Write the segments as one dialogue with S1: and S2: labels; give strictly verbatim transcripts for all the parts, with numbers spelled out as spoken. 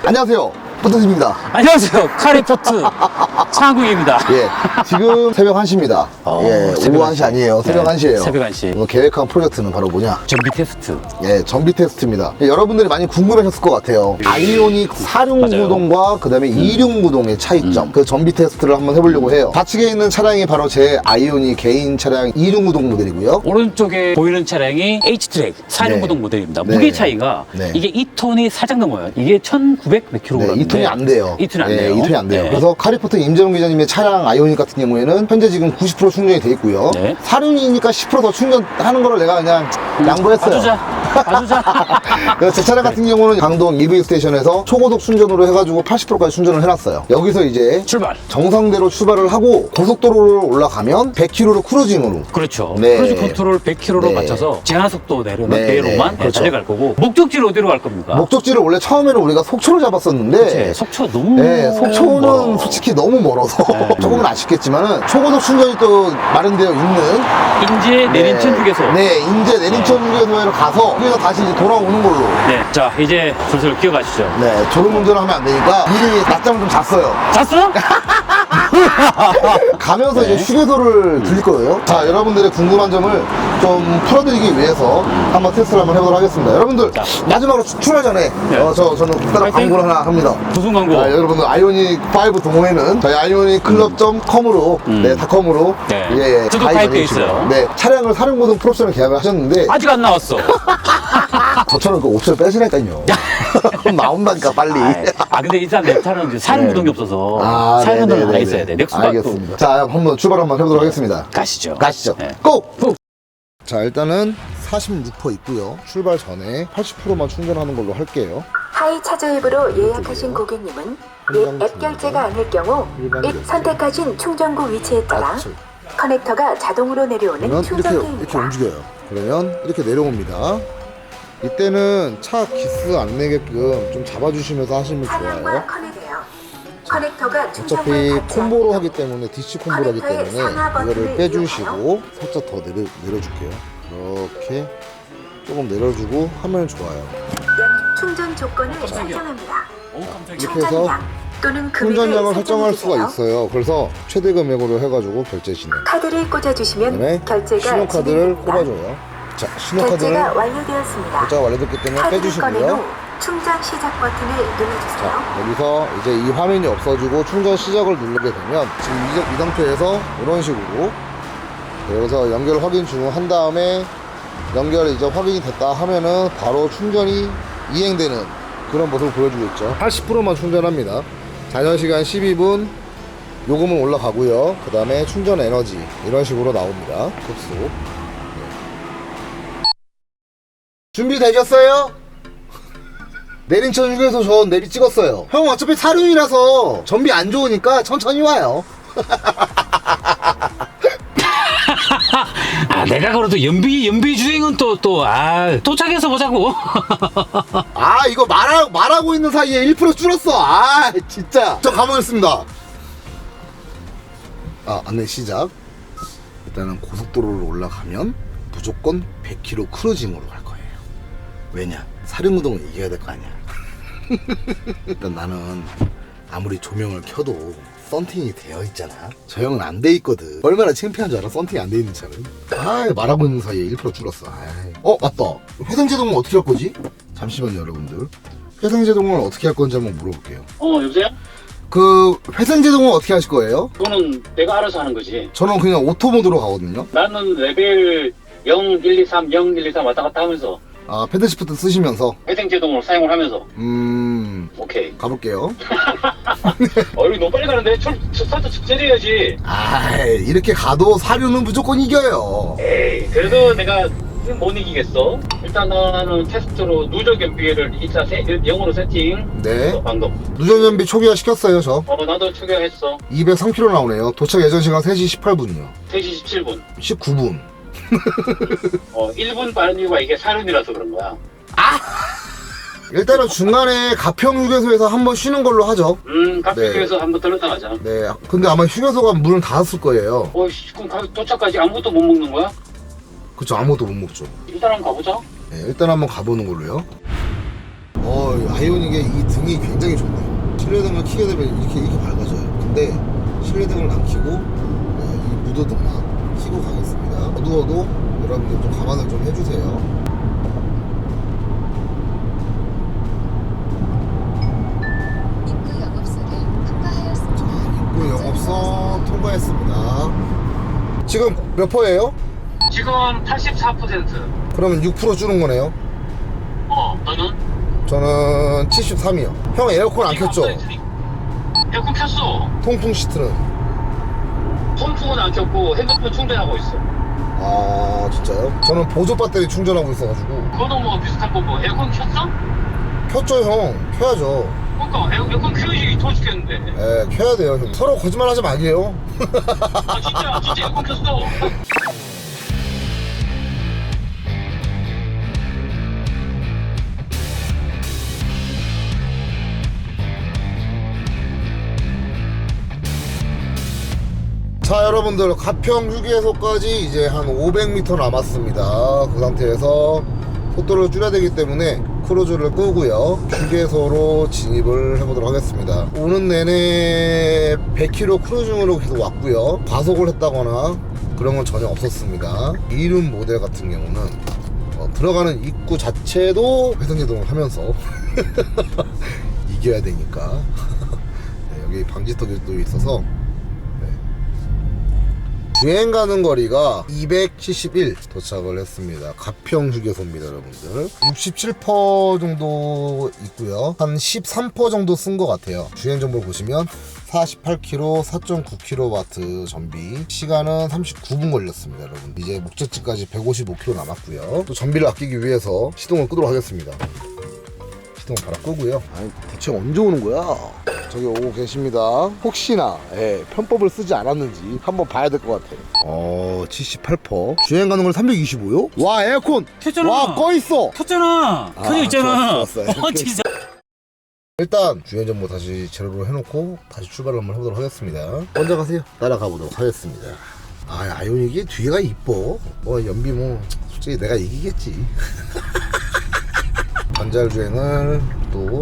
S1: 안녕하세요, 포트입니다.
S2: 안녕하세요, 카리포트 창국입니다.
S1: 예, 지금 새벽 한 시입니다.
S2: 어,
S1: 예,
S2: 새벽
S1: 오후 한 시 아니에요. 새벽
S2: 네,
S1: 한 시예요.
S2: 새벽 한 시.
S1: 오늘 계획한 프로젝트는 바로 뭐냐?
S2: 전비 테스트.
S1: 예, 전비 테스트입니다. 예, 여러분들이 많이 궁금하셨을 것 같아요. 아이오닉 사륜구동과 그 다음에 이륜구동의 차이점.
S2: 음.
S1: 그 전비 테스트를 한번 해보려고 해요. 좌측에 있는 차량이 바로 제 아이오닉 개인 차량 이륜구동 모델이고요.
S2: 오른쪽에 보이는 차량이 H트랙 사륜구동
S1: 네.
S2: 모델입니다.
S1: 네.
S2: 무게 차이가
S1: 네.
S2: 이게 이 톤이 살짝 넘어요. 이게 천구백 몇 킬로그램.
S1: 네, 이 톤이 안 돼요.
S2: 이 톤이 안
S1: 예,
S2: 돼요.
S1: 이 톤이 안 돼요.
S2: 네.
S1: 그래서 카리포트 임재용 기자님의 차량 아이오닉 같은 경우에는 현재 지금 구십 퍼센트 충전이 돼 있고요.
S2: 네.
S1: 사륜이니까 십 퍼센트 더 충전하는 거를 내가 그냥 양보했어요.
S2: 봐주자. 봐주자.
S1: 그래서 제 차량 같은 경우는 강동 이브이 스테이션에서 초고속 충전으로 해가지고 팔십 퍼센트까지 충전을 해놨어요. 여기서 이제
S2: 출발.
S1: 정상대로 출발을 하고 고속도로를 올라가면 백 킬로미터 크루징으로.
S2: 그렇죠.
S1: 네.
S2: 크루즈 컨트롤 백 킬로미터로
S1: 네.
S2: 맞춰서 제한 속도 내려는
S1: 네,
S2: 대로만
S1: 네. 그렇죠.
S2: 달려갈 거고 목적지를 어디로 갈 겁니까?
S1: 목적지를 원래 처음에는 우리가 속초를 잡았었는데
S2: 네, 속초 너무
S1: 네, 속초는
S2: 멀어.
S1: 솔직히 너무 멀어서
S2: 네.
S1: 조금은 아쉽겠지만은 초고속 충전이 또 마련되어 있는
S2: 인제 내린천 휴게소.
S1: 네, 인제 내린천 휴게소에 가서 거기서 다시 이제 돌아오는 걸로.
S2: 네, 자 이제 슬슬 기어가시죠.
S1: 네, 졸음운전을 하면 안 되니까 미리 낮잠을 좀 잤어요.
S2: 잤어?
S1: 가면서
S2: 네.
S1: 이제 휴게소를 들릴 거예요. 자, 여러분들의 궁금한 점을 좀 풀어드리기 위해서 한번 테스트를 한번 해보도록 하겠습니다. 여러분들,
S2: 자.
S1: 마지막으로 출- 출발 전에
S2: 네.
S1: 어, 저, 저는 국가락
S2: 파이팅!
S1: 광고를 하나 합니다.
S2: 무슨 광고?
S1: 자, 여러분들 아이오닉 오 동호회는 저희 아이오닉 클럽 점 컴으로
S2: 음.
S1: 네, 닷컴으로
S2: 네.
S1: 예,
S2: 저도
S1: 가입
S2: 가입돼
S1: 해주시고요.
S2: 있어요.
S1: 네, 차량을 사륜고등 프로옵션을 계약을 하셨는데
S2: 아직 안 나왔어.
S1: 저처럼 그 옵션 빼시라니까요. 나온다니까 빨리.
S2: 아 근데 일단 내 차는 이제 사륜구동이 없어서
S1: 아,
S2: 사륜구동은
S1: 네네네네.
S2: 하나 있어야 돼. 넥스가
S1: 알겠습니다. 자, 한번 출발 한번 해보도록 하겠습니다.
S2: 가시죠.
S1: 가시죠.
S2: 네.
S1: 고! 자, 일단은 사십육 퍼센트 있고요. 출발 전에 팔십 퍼센트만 충전하는 걸로 할게요.
S3: 하이 차저 앱으로 예약하신 고객님은
S1: 한강
S3: 앱 결제가 아닐 경우
S1: 일반
S3: 앱
S1: 결제.
S3: 선택하신 충전구 위치에 따라
S1: 좌측.
S3: 커넥터가 자동으로 내려오는
S1: 그러면 이렇게, 이렇게
S3: 충전기입니다.
S1: 움직여요. 그러면 이렇게 내려옵니다. 이때는 차 기스 안 내게끔 좀 잡아주시면서 하시면
S3: 차량과
S1: 좋아요.
S3: 커넥해요. 커넥터가
S1: 어차피
S3: 충전구에 닿지
S1: 콤보로
S3: 않도록
S1: 하기 때문에 디씨 콤보로 하기
S3: 커넥터의
S1: 때문에
S3: 상하 버튼을
S1: 이거를 빼주시고 살짝 더 내려, 내려줄게요. 이렇게 조금 내려주고 하면 좋아요.
S3: 연 충전 조건을 설정합니다.
S2: 오 깜짝이야.
S1: 이렇게 해서
S3: 충전량 또는 금액을
S1: 충전량을 설정할 수가
S3: 설정해주세요.
S1: 있어요. 그래서 최대 금액으로 해가지고 결제 진행.
S3: 카드를 꽂아주시면
S1: 그다음에
S3: 결제가
S1: 신용카드를
S3: 진행됩니다.
S1: 꼽아줘요. 자, 신용카드를
S3: 결제가 완료되었습니다.
S1: 결제가 완료됐기 때문에
S3: 카드를 꺼낸
S1: 빼주시고요.
S3: 후 충전 시작 버튼을 눌러주세요.
S1: 자, 여기서 이제 이 화면이 없어지고 충전 시작을 누르게 되면 지금 이, 이 상태에서 이런 식으로 여기서 연결 확인 중 한 다음에 연결 이제 확인이 됐다 하면은 바로 충전이 이행되는 그런 모습을 보여주겠죠. 팔십 퍼센트만 충전합니다. 잔여 시간 십이 분, 요금은 올라가고요. 그 다음에 충전 에너지 이런 식으로 나옵니다. 급속. 네. 준비되셨어요? 내린천 휴게소 저 내비 찍었어요. 형 어차피 사륜이라서 전비 안 좋으니까 천천히 와요.
S2: 아 내가 그래도 연비 연비 주행은 또 또 아 도착해서 보자고.
S1: 아 이거 말하, 말하고 있는 사이에 일 퍼센트 줄었어. 아 진짜. 저 가보겠습니다. 아 안내 시작. 일단은 고속도로를 올라가면 무조건 백 킬로미터 크루징으로 갈 거예요. 왜냐? 사륜구동을 이겨야 될 거 아니야. 일단 나는 아무리 조명을 켜도 썬팅이 되어 있잖아. 저 형은 안 돼 있거든. 얼마나 창피한 줄 알아? 썬팅이 안 돼 있는 차는. 아 말하고 있는 사이에 일 퍼센트 줄었어. 아이. 어 맞다. 회생제동은 어떻게 할 거지? 잠시만요 여러분들. 회생제동을 어떻게 할 건지 한번 물어볼게요.
S4: 어, 여보세요?
S1: 그 회생제동은 어떻게 하실 거예요?
S4: 그거는 내가 알아서 하는 거지.
S1: 저는 그냥 오토 모드로 가거든요.
S4: 나는 레벨 영, 일, 이, 삼, 영, 일, 이, 삼 왔다 갔다 하면서
S1: 아 패드시프트 쓰시면서
S4: 회생제동으로 사용을 하면서
S1: 음
S4: 오케이.
S1: 가볼게요.
S4: 어, 여기 너무 빨리 가는데? 출, 스타트 직전해야지.
S1: 아 이렇게 가도 사륜은 무조건 이겨요.
S4: 에이, 그래도 내가 못 이기겠어. 일단 나는 테스트로 누적 연비를 일단 영으로 세팅.
S1: 네.
S4: 어, 방금.
S1: 누전연비 초기화 시켰어요 저.
S4: 어, 나도 추가했어.
S1: 이백삼 킬로미터 나오네요. 도착 예정 시간 세 시 십팔 분이요.
S4: 세 시 십칠 분.
S1: 십구 분.
S4: 어, 일 분 빠른 이유가 이게 사륜이라서 그런 거야.
S1: 일단은 중간에 가평 휴게소에서 한번 쉬는 걸로 하죠.
S4: 음, 카페에서
S1: 네.
S4: 한번 들렀다 가자.
S1: 네. 근데 아마 휴게소가 문을 닫았을 거예요.
S4: 어, 씨, 그럼 가- 도착까지 아무것도 못 먹는 거야?
S1: 그쵸 아무것도 못 먹죠.
S4: 일단 한번 가보자.
S1: 네, 일단 한번 가보는 걸로요. 어, 아이오닉의 이 등이 굉장히 좋네요. 실내등을 켜게 되면 이렇게 이렇게 밝아져요. 근데 실내등을 안 켜고 네, 이 무드등만 켜고 가겠습니다. 어두워도 여러분들 좀 감안을 좀 해주세요.
S5: 입구 영업소를 통과하였습니다.
S1: 자, 입구 영업소 통과했습니다. 지금 몇 퍼예요?
S4: 지금 팔십사 퍼센트.
S1: 그러면 육 퍼센트 줄은 거네요.
S4: 어, 너는?
S1: 저는 칠십삼이요. 형 에어컨 안 켰죠?
S4: 에어컨 켰어.
S1: 통풍 시트는?
S4: 펌프는 안 켰고 핸드폰 충전하고 있어.
S1: 아 진짜요? 저는 보조 배터리 충전하고 있어가지고.
S4: 그거도 뭐 비슷한 거고. 에어컨 켰어?
S1: 켰죠 형. 켜야죠.
S4: 그러니까 에어, 에어컨 켜야지. 더워 죽겠는데.
S1: 예, 켜야 돼요 형. 서로 거짓말 하지 말게요.
S4: 아 진짜 진짜 에어컨 켰어.
S1: 자 여러분들 가평 휴게소까지 이제 한 오백 미터 남았습니다. 그 상태에서 속도를 줄여야 되기 때문에 크루즈를 끄고요 휴게소로 진입을 해보도록 하겠습니다. 오는 내내 백 킬로미터 크루징으로 계속 왔고요 과속을 했다거나 그런 건 전혀 없었습니다. 이륜 모델 같은 경우는 어, 들어가는 입구 자체도 회전제동을 하면서 이겨야 되니까 네, 여기 방지턱이 또 있어서 주행 가는 거리가 이백칠십일 도착을 했습니다. 가평 휴게소입니다 여러분들. 육십칠 퍼센트 정도 있고요 한 십삼 퍼센트 정도 쓴 것 같아요. 주행 정보 보시면 사십팔 킬로미터 사 점 구 킬로와트 전비, 시간은 삼십구 분 걸렸습니다 여러분. 이제 목적지까지 백오십오 킬로미터 남았고요. 또 전비를 아끼기 위해서 시동을 끄도록 하겠습니다. 시동 바로 끄고요. 아니 대체 언제 오는 거야? 저기 오고 계십니다. 혹시나 예, 편법을 쓰지 않았는지 한번 봐야 될 것 같아요. 어 칠십팔 퍼센트 주행 가는 걸 삼백이십오요? 와 에어컨
S2: 켰잖아.
S1: 와 꺼있어.
S2: 켰잖아.
S1: 아,
S2: 켜져 있잖아.
S1: 좋았어, 좋았어.
S2: 어 진짜.
S1: 일단 주행 정보 다시 제로로 해놓고 다시 출발을 한번 해보도록 하겠습니다. 먼저 가세요. 따라가 보도록 하겠습니다. 아 아이오닉이 뒤에가 이뻐. 뭐 연비 뭐 솔직히 내가 이기겠지. 반잘 주행을 또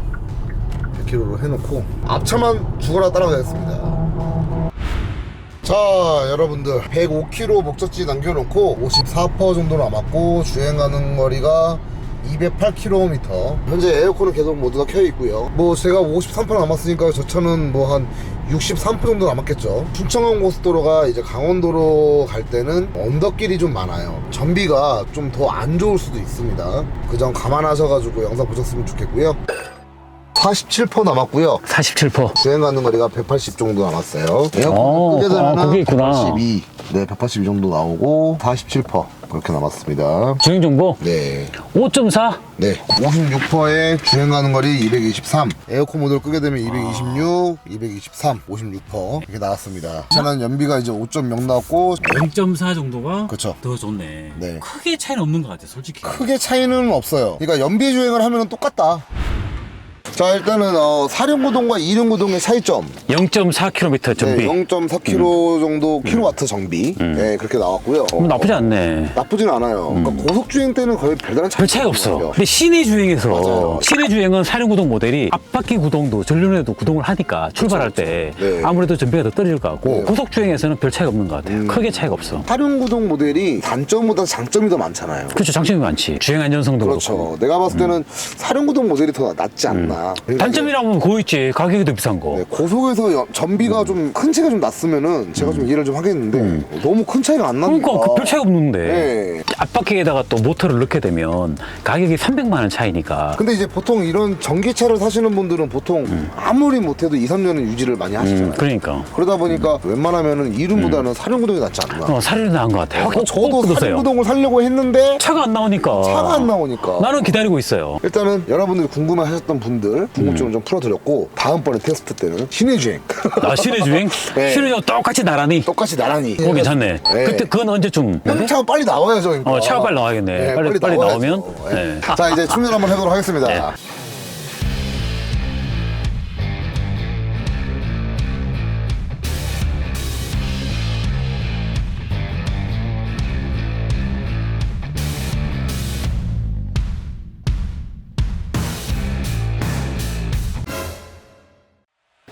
S1: 백 킬로미터로 해놓고 앞차만 죽어라 따라가겠습니다. 자 여러분들 백오 킬로미터 목적지 남겨놓고 오십사 퍼센트 정도 남았고 주행 가는 거리가 이백팔 킬로미터. 현재 에어컨은 계속 모두가 켜 있고요. 뭐 제가 오십삼 퍼센트 남았으니까 저 차는 뭐 한 육십삼 퍼센트 정도 남았겠죠. 충청원 고속도로가 이제 강원도로 갈 때는 언덕길이 좀 많아요. 전비가 좀 더 안 좋을 수도 있습니다. 그 점 감안하셔가지고 영상 보셨으면 좋겠고요. 사십칠 퍼센트 남았고요.
S2: 사십칠 퍼센트.
S1: 주행 가는 거리가 백팔십 정도 남았어요.
S2: 어,
S1: 에어컨 끄게 되면
S2: 아, 그게 있구나.
S1: 백팔십이, 네, 백팔십이 정도 나오고 사십칠 퍼센트 그렇게 남았습니다.
S2: 주행 정보
S1: 네,
S2: 오 점 사.
S1: 네, 오십육 퍼센트에 주행 가는 거리 이백이십삼. 에어컨 모드를 끄게 되면 이백이십육, 이백이십삼, 오십육 퍼센트 이렇게 나왔습니다. 차는 연비가 이제 오 점 영 나왔고,
S2: 영 점 사 정도가
S1: 그쵸.
S2: 더 좋네.
S1: 네.
S2: 크게 차이는 없는 것 같아, 솔직히.
S1: 크게 차이는 없어요. 그러니까 연비 주행을 하면 똑같다. 자 일단은 어, 사륜구동과 이륜구동의 차이점.
S2: 영 점 사 킬로미터 전비.
S1: 네, 영 점 사 킬로미터 정도 킬로와트 정비.
S2: 음.
S1: 네, 그렇게 나왔고요.
S2: 뭐 나쁘지 않네.
S1: 나쁘진 않아요. 그러니까 고속 주행 때는 거의 별다른 차이가
S2: 별 차이가 없어.
S1: 없어요.
S2: 근데 시내 주행에서
S1: 맞아요.
S2: 시내 주행은 사륜구동 모델이 앞바퀴 구동도 전륜에도 구동을 하니까 출발할 때
S1: 네.
S2: 아무래도 전비가 더 떨어질 것 같고
S1: 네.
S2: 고속 주행에서는 별 차이가 없는 것 같아요.
S1: 음.
S2: 크게 차이가 없어.
S1: 사륜구동 모델이 단점보다 장점이 더 많잖아요.
S2: 그렇죠. 장점이 많지. 주행 안전성도
S1: 그렇죠.
S2: 그렇고.
S1: 내가 봤을 때는 사륜구동 모델이 더 낫지 않나. 그러니까
S2: 단점이라고 하면 그거 있지. 가격이 더 비싼 거.
S1: 네, 고속에서 연- 전비가 좀 큰 차이가 좀 났으면은 제가 좀 이해를 좀 하겠는데 너무 큰 차이가 안 나니까.
S2: 그러니까 그별 차이가 없는데.
S1: 네.
S2: 앞바퀴에다가 또 모터를 넣게 되면 가격이 삼백만 원 차이니까.
S1: 근데 이제 보통 이런 전기차를 사시는 분들은 보통 아무리 못해도 이, 삼 년은 유지를 많이 하시잖아요.
S2: 음, 그러니까.
S1: 그러다 보니까 웬만하면은 이륜보다는 사륜구동이 낫지 않나.
S2: 어, 사륜이 나은 것 같아요.
S1: 그래서 저도
S2: 꽂으세요.
S1: 사륜구동을 살려고 했는데
S2: 차가 안 나오니까.
S1: 차가 안 나오니까.
S2: 나는 기다리고 있어요.
S1: 일단은 여러분들이 궁금해 하셨던 분들 궁금증을 좀 풀어드렸고 다음번에 테스트 때는 시내주행
S2: 아, 시내 주행?
S1: 네.
S2: 시내 주행 똑같이 나란히.
S1: 똑같이 나란히
S2: 어, 괜찮네.
S1: 네.
S2: 그때 그건 언제쯤?
S1: 형 차가 빨리 나와야죠 그러니까.
S2: 어, 차가 빨리 나와야겠네.
S1: 네,
S2: 빨리, 빨리
S1: 나와야죠.
S2: 나오면.
S1: 네.
S2: 네.
S1: 자 이제 충전 한번 해보도록 하겠습니다.
S2: 네.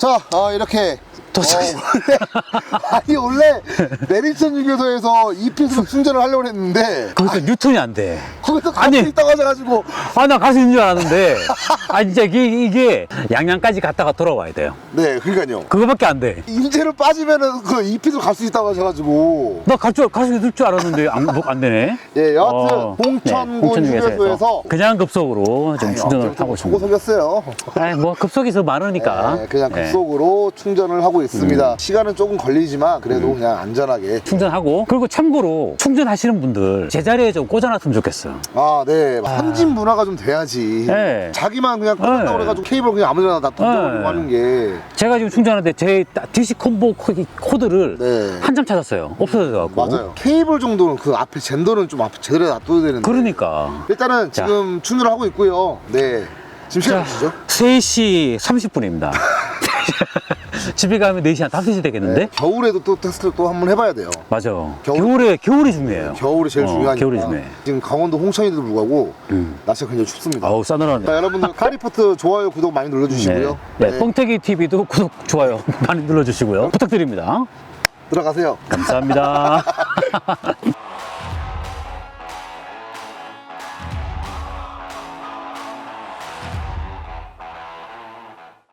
S1: 자, 어, 이렇게
S2: 도착.
S1: 어, 원래, 아니 원래 내리천 휴게소에서 이피에스로 충전을 하려고 했는데
S2: 거기서 뉴턴이 안 돼.
S1: 거기서 갈
S2: 아니.
S1: 수 있다고 하셔가지고
S2: 아, 나 갈 수 있는 줄 알았는데. 아, 진짜 이게, 이게 양양까지 갔다가 돌아와야 돼요.
S1: 네, 그러니까요.
S2: 그거밖에 안 돼.
S1: 인제로 빠지면은 그 이피에스로 갈 수 있다고 하셔가지고
S2: 나 갈 줄, 갈 수 있을 줄 알았는데 안, 뭐, 안 되네.
S1: 예, 여하튼
S2: 어,
S1: 홍천군
S2: 네, 홍천
S1: 휴게소에서
S2: 그냥 급속으로 좀 충전을 하고
S1: 주고
S2: 있습니다.
S1: 속였어요.
S2: 아이, 뭐 급속이 더 많으니까.
S1: 네, 그냥
S2: 네.
S1: 급속으로 충전을 하고 있습니다. 시간은 조금 걸리지만 그래도
S2: 음.
S1: 그냥 안전하게.
S2: 충전하고, 그리고 참고로 충전하시는 분들 제자리에 좀 꽂아놨으면 좋겠어요.
S1: 아, 네. 삼진 문화가 좀 돼야지.
S2: 네.
S1: 자기만 그냥 꽂았다고
S2: 네.
S1: 그래가지고 케이블 그냥 아무데나 다 던져버리고
S2: 네.
S1: 하는 게.
S2: 제가 지금 충전하는데 제 디씨 콤보 코- 코드를
S1: 네.
S2: 한참 찾았어요. 없어져갖고.
S1: 맞아요. 케이블 정도는 그 앞에 젠더는 좀 앞에 제대로 놔둬야 되는데.
S2: 그러니까.
S1: 일단은
S2: 자.
S1: 지금 충전을 하고 있고요. 네. 지금 시간 몇시죠?
S2: 세 시 삼십 분입니다. 집에 가면 네 시 한 다섯 시 되겠는데?
S1: 네. 겨울에도 또 테스트를 또 한번 해봐야 돼요.
S2: 맞아.
S1: 겨울-
S2: 겨울에, 겨울이 중요해요.
S1: 겨울이 제일
S2: 어,
S1: 중요하니까.
S2: 겨울이 중요해.
S1: 지금 강원도 홍천에도 불구하고
S2: 음.
S1: 날씨가 굉장히 춥습니다.
S2: 아우, 싸늘하네.
S1: 자, 여러분들 카리포트 좋아요, 구독 많이 눌러주시고요.
S2: 네. 네. 뻥태기 티비도 구독, 좋아요 많이 눌러주시고요. 부탁드립니다.
S1: 들어가세요.
S2: 감사합니다.